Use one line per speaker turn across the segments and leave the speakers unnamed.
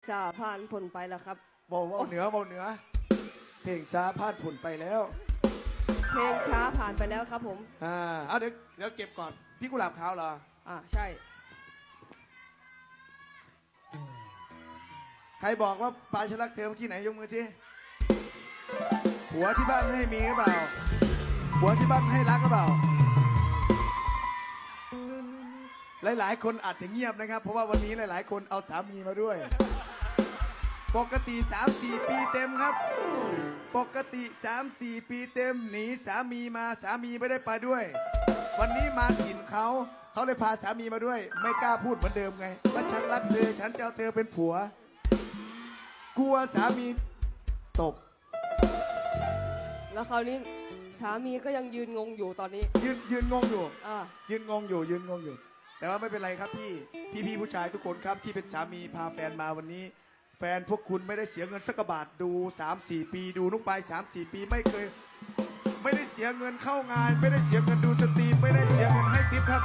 ช้าผ่านผลไปแล้วครับ
เบาเหนือเพลงช้าพลาดผลไปแล้ว
เพลงช้าผ่านไปแล้วครับผม
เอาเดี๋ยวเก็บก่อนพี่กุหลาบขาวเหรอ
ใช่
ใครบอกว่าปลายฉันรักเธอเมื่อกี้ไหนยกมือทีผัวที่บ้านให้มีหรือเปล่าผัวที่บ้านให้รักหรือเปล่าหลายๆคนอาจจะเงียบนะครับเพราะว่าวันนี้หลายๆคนเอาสามีมาด้วยปกติ 3-4 ปีเต็มครับปกติ 3-4 ปีเต็มหนีสามีมาสามีไม่ได้ไปด้วยวันนี้มาถิ่นเขาเลยพาสามีมาด้วยไม่กล้าพูดเหมือนเดิมไงว่าฉันรักเธอฉันจะเอาเธอเป็นผัวกลัวสามีตบ
แล้วคราวนี้สามีก็ยังยืนงงอยู่ตอนนี้
ยืนงงอยู่ยืนงงอยู่แต่ว่าไม่เป็นไรครับพี่ผู้ชายทุกคนครับที่เป็นสามีพาแฟนมาวันนี้แฟนพวกคุณไม่ได้เสียเงินสักบาทดู 3-4 ปีดูนุกไป 3-4 ปีไม่ได้เสียเงินเข้างานไม่ได้เสียเงินดูสตรีมไม่ได้เสียเงินให้ทิปครับ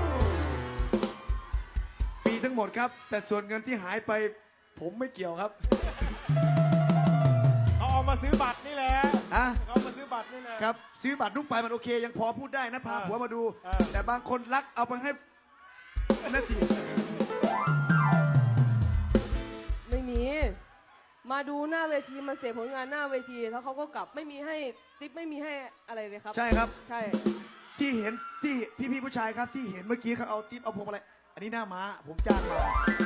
ฟรีทั้งหมดครับแต่ส่วนเงินที่หายไปผมไม่เกี่ยวครับ
เอามาซื้อบัตรนี่แหละเอามาซื้อบัตรนี่แหละ
ครับซื้อบัตรนุกไปมันโอเคยังพอพูดได้นะพาผัวมาดูแต่บางคนรักเอาไปให้นั่นสิ
ไม่มีมาดูหน้าเวทีมาเสียผลงานหน้าเวทีแล้วเขาก็กลับไม่มีให้ติ๊บไม่มีให้อะไรเลยครับ
ใช่ครับ
ใช่
ที่เห็นที่พี่ผู้ชายครับที่เห็นเมื่อกี้เขาเอาติ๊บเอาพวงอะไรอันนี้หน้าม้าผมจ้างมา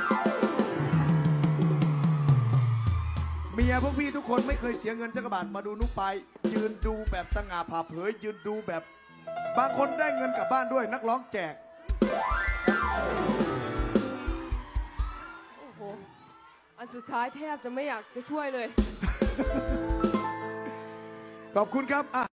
เมียพวกพี่ทุกคนไม่เคยเสียเงินจักรบาทมาดูนุกไปยืนดูแบบสง่าผ่าเผยยืนดูแบบบางคนได้เงินกลับบ้านด้วยนักร้องแจก
โอ้โหอันสุดท้ายแทบจะไม่อยากจะช่วยเลย
ขอบคุณครับ